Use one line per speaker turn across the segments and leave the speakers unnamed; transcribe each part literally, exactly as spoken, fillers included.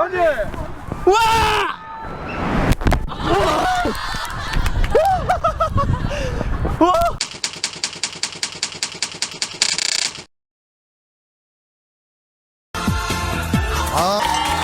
번지!
우와! 우와!
아.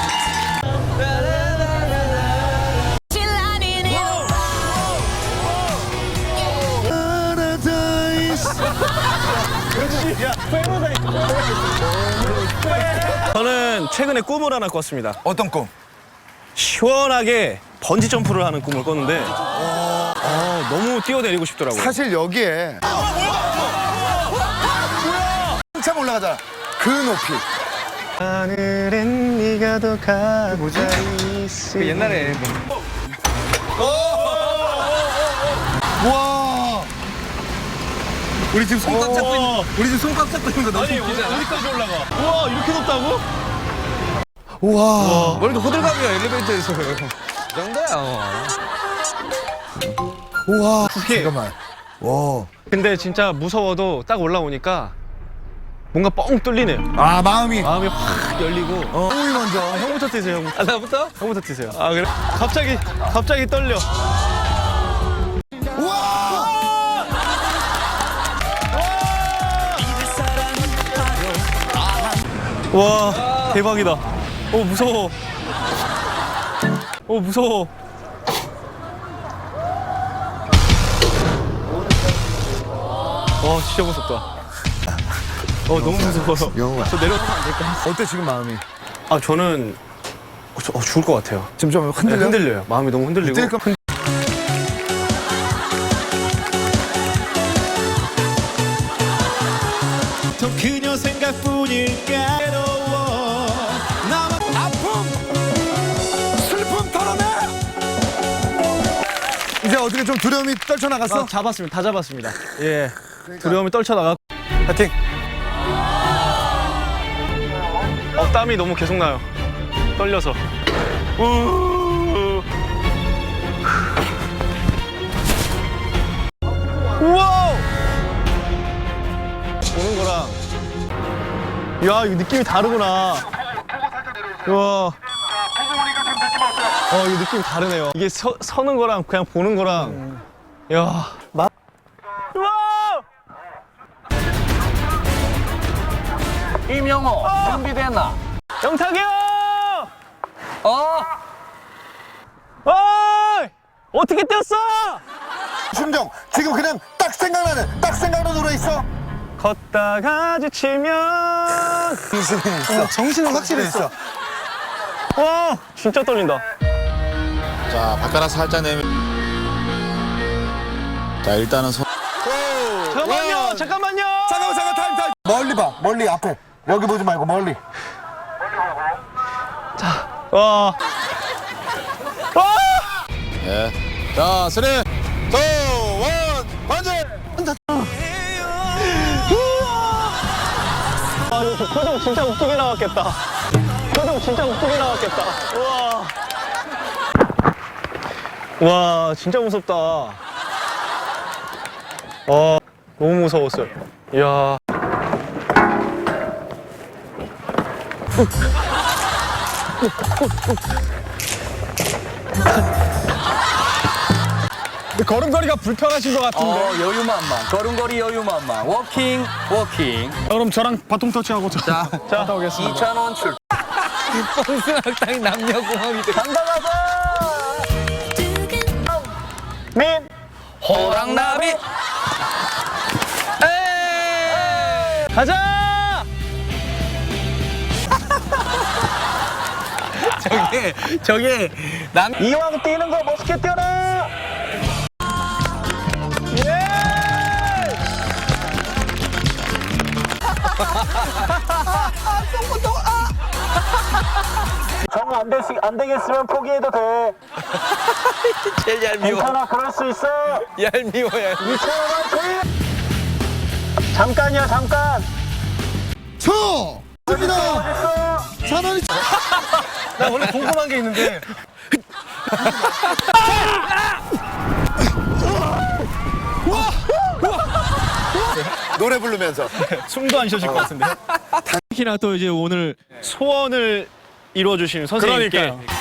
저는 최근에 꿈을 하나 꿨습니다.
어떤 꿈?
시원하게 번지 점프를 하는 꿈을 꿨는데 어, 너무 뛰어내리고 싶더라고요.
사실 여기에 한참 올라가잖아. 그 높이.
하늘엔 네가 더 가보자 있으. 그 옛날에
와. 우리 지금 손 꽉 잡고 있는 우리 지금 손 꽉 잡고 있는 거 너무
아니
웃기지 않아?
어디까지 올라가? 우와 이렇게 높다고?
우와.
오늘도 호들갑이야 엘리베이터에서. 이 정도야.
우와.
그게-
잠깐만. 와.
근데 진짜 무서워도 딱 올라오니까 뭔가 뻥 뚫리네요.
아 마음이.
마음이 확 열리고.
어. 형이 먼저.
아, 형부터 뛰세요. 형부터. 아, 나부터? 형부터 뛰세요. 아 그래? 갑자기 갑자기 떨려.
우와.
와 대박이다. 어 무서워. 어 무서워. 와 진짜 무섭다. 어 너무 무서워요.
영웅아.
저 내려가면 안 될까?
어때 지금 마음이?
아 저는 어, 저, 어, 죽을 것 같아요.
지금 좀
네,
흔들려?
흔들려요. 마음이 너무 흔들리고.
뜰까?
흔- 더 그녀 생각뿐일까 외로워 나만
아픔! 슬픔 털어내! 이제 어떻게 좀 두려움이 떨쳐나갔어?
아, 잡았습니다. 다 잡았습니다. 예. 두려움이 떨쳐나가.
파이팅!
어, 땀이 너무 계속 나요. 떨려서. 우. 우와! 보는 거랑. 야, 이거 느낌이 다르구나. 우와. 어, 이거 느낌이 다르네요. 이게 서, 서는 거랑 그냥 보는 거랑. 야. 마... 우와!
임영호, 준비됐나?
영탁이 형!
어?
어이! 어떻게 뛰었어?
심정 지금 그냥 딱 생각나는 딱 생각나는 노래 있어?
걷다가 지치면
정신이 있어. 정신은 확실히 있어.
와 진짜 떨린다.
자, 발가락 살짝 내면. 자, 일단은 손.
잠깐만요 잠깐만요.
잠깐만 잠깐 타임 타임. 멀리 봐 멀리 앞에 여기 보지 말고 멀리.
와. 와.
예. 자, 쓰리, 투, 원, 번지!
아 이거 표정 진짜 웃기게 나왔겠다. 표정 진짜 웃기게 나왔겠다. 우와. 와 진짜 무섭다. 와 너무 무서웠어요. 이야. 걸음걸이가 불편하신 것 같은데.
어, 여유만만. 걸음걸이 여유만만. 워킹, 워킹.
그럼 저랑 바통 터치하고 저. 자, 자, 갔다 오겠습니다.
이천 원 출. 뽕스학당 남녀공학이 돼. 간다 가자!
민.
호랑나비! 에이!
가자.
저게, 저게, 남,
이왕 뛰는 거 멋있게 뛰어라. 예. 정 안 되시 안 되겠으면 포기해도 돼.
제일 얄미워.
괜찮아, 그럴 수 있어.
얄미워, 얄미워.
이천원 화이팅! 잠깐이야, 잠깐.
쳐! 갑니다.
어딨어?
천 원이.
나 원래 궁금한 게 있는데.
노래 부르면서.
숨도 안 쉬어질 것 같은데. 특히나 또 이제 오늘 소원을 이루어주시는 선생님께
그러니까요.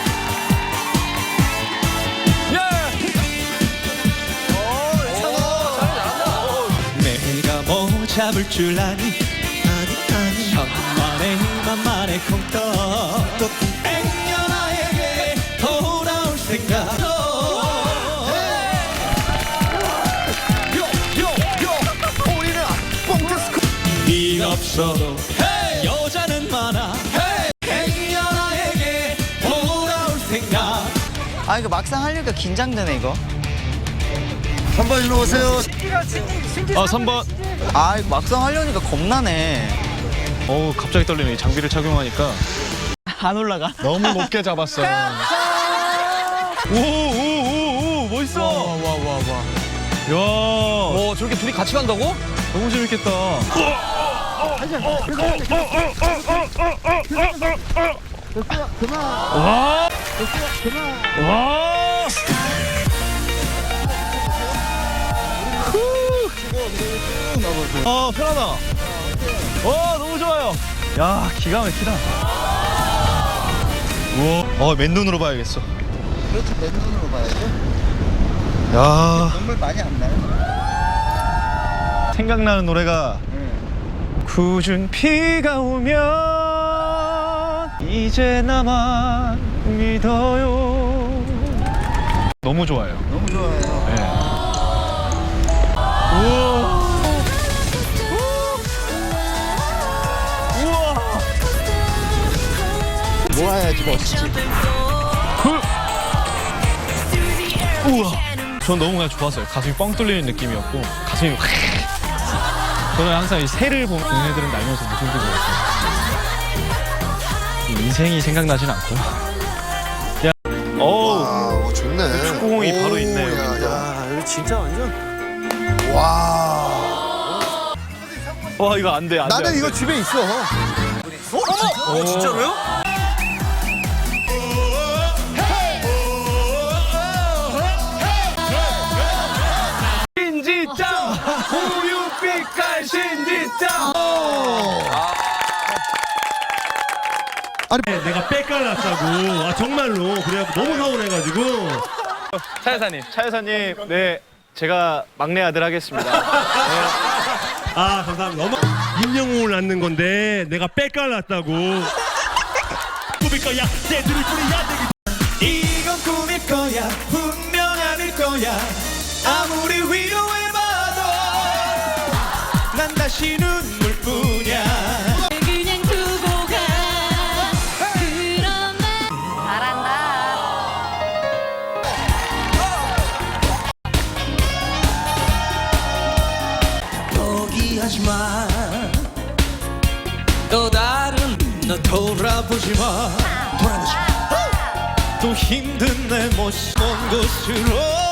내가 뭐 잡을 줄 아니 아니 아니 천만에 만만에 콩떡 액녀 나에게 돌아올 생각 일 없어도 여자는 많아 액녀 나에게 돌아올 생각.
아 이거 막상 하려니까 긴장되네 이거.
삼 번 일로 오세요.
어 삼 번.
아 이거 막상 하려니까 겁나네.
어우 갑자기 떨리네. 이 장비를 착용하니까
안 올라가.
너무 높게 잡았어. 오오오오 멋있어.
와와와
야
와. 와 저렇게 둘이 같이 간다고?
너무 재밌겠다. 와. 와. 어 편하다. 와 너무 좋아요. 야 기가 막히다. 우와. 어 맨눈으로 봐야겠어.
그렇지, 맨눈으로 봐야죠.
야
눈물 많이 안 나요.
생각나는 노래가 굳은 비가 오면 이제 나만 믿어요. 너무 좋아요.
너무 좋아요.
네. 우와. 우와.
모아야지 멋있지.
우와. 전 너무 그냥 좋았어요. 가슴이 뻥 뚫리는 느낌이었고 가슴이 확. 저는 항상 이 새를 보면 얘네들은 날면서 무슨 소리 들어요. 인생이 생각나진 않고. 야. 어우.
와, 어, 좋네.
축구공이
오,
바로 있네,
야,
여기.
야, 이거 진짜 완전. 와.
와 이거 안 돼, 안 돼.
나는
안
이거
돼.
집에 있어.
어 진짜로요?
신지짱 우유빛깔 신지짱.
내가 빽깔났다고. 아 정말로 그래갖고 너무 서운해가지고.
차 여사님, 차 여사님, 네 제가 막내 아들 하겠습니다.
아 감사합니다. 너무 임영웅을 낳는 건데 내가 빽깔났다고. 꿈일 거야 새들을 뿌리야 되기.
이건 꿈일 거야 분명 아닐 거야 아무리 위로해봐도 난 다시 눈물뿐이야.
그냥 두고 가 그런 말 잘한다.
포기하지 마. 또 다른 너 돌아보지 마. 돌아보지 마. 또 힘든 내 모습 먼 곳으로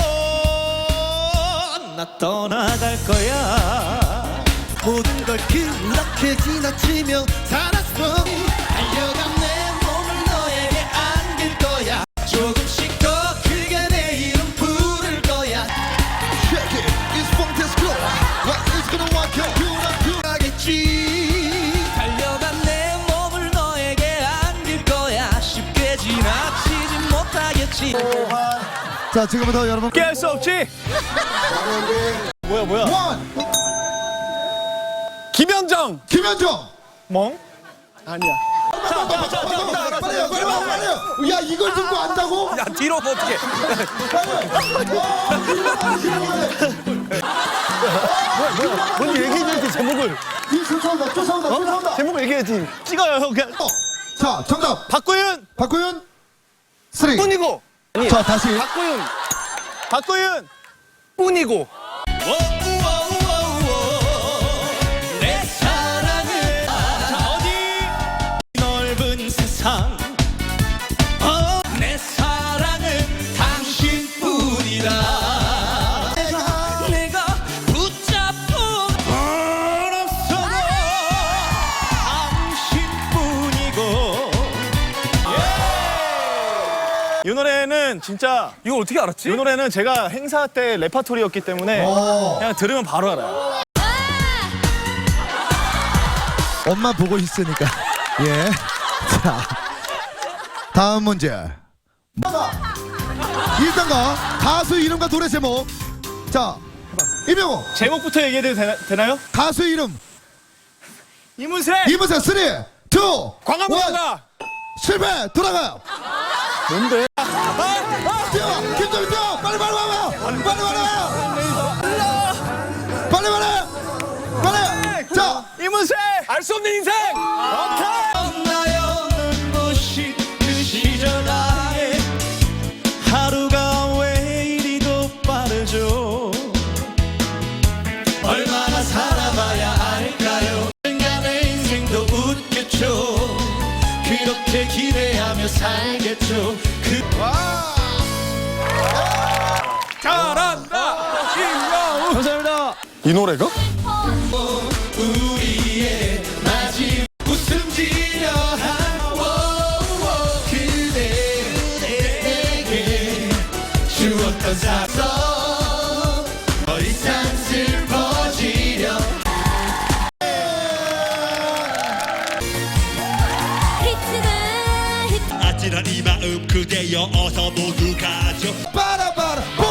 나 떠나갈 거야.
모든 걸 그렇게 지나치며 살았어.
달려간 내 몸을 너에게 안길 거야. 조금씩 더 크게 내 이름 부를 거야.
Check it, it's fantastic. What is gonna work out? You know,
하겠지. 달려간 내 몸을 너에게 안길 거야. 쉽게 지나치지 못하겠지.
자, 지금부터 여러분.
깨할 수 없지. 뭐야 뭐야.
원,
김현정.
김현정.
멍?
빨리요, 빨리요, 빨리요. 야, 이걸 듣고 안다고?
야 뒤로 뭐 어떻게?
뭔 얘기해야지 제목을. 이 쫓아온다, 쫓아온다, 쫓아온다.
제목을 얘기해야지. 찍어요 형 그냥.
자, 정답.
박구윤.
박구윤. 쓰리.
뿐이고.
자, 다시.
박구윤. 박구윤.
뿐이고.
내 사랑은 어디 넓은 세상 어, 내 사랑은 당신뿐이다. 내가 내가 붙잡고 얼었어도 당신뿐이고.
이 노래는 진짜
이거 어떻게 알았지?
이 노래는 제가 행사 때 레파토리였기 때문에 그냥 들으면 바로 알아요.
엄마 보고 있으니까. 예. 자,
다음 문제. 일 단가 가수 이름과 노래 제목. 자, 이명호
제목부터 얘기해도 되나, 되나요?
가수 이름.
이문세.
이문세 쓰리, 투,
광화문가.
실패. 돌아가요.
뭔데?
뛰어, 김정민 뛰어. 빨리 빨리 와봐. 빨리 빨리 와. 빨리 빨리. 빨리. 자,
이문세. 알 수 없는 인생. 오케이.
나요 눈부신 그 시절 아예 하루가 왜 이리도 빠르죠 얼마나 살아봐야 알까요 인간의 인생도 웃겠죠 그렇게 기대하며 살겠죠 그
잘한다. 임영웅.
감사합니다.
이 노래가?
우리의 마지막 웃음 지려 한 그대에게 주었던 사서 더 이상 슬퍼지려
히트다 히트
아찔한 이 마음 그대여 어서 모두 가죠
빠라 빠라.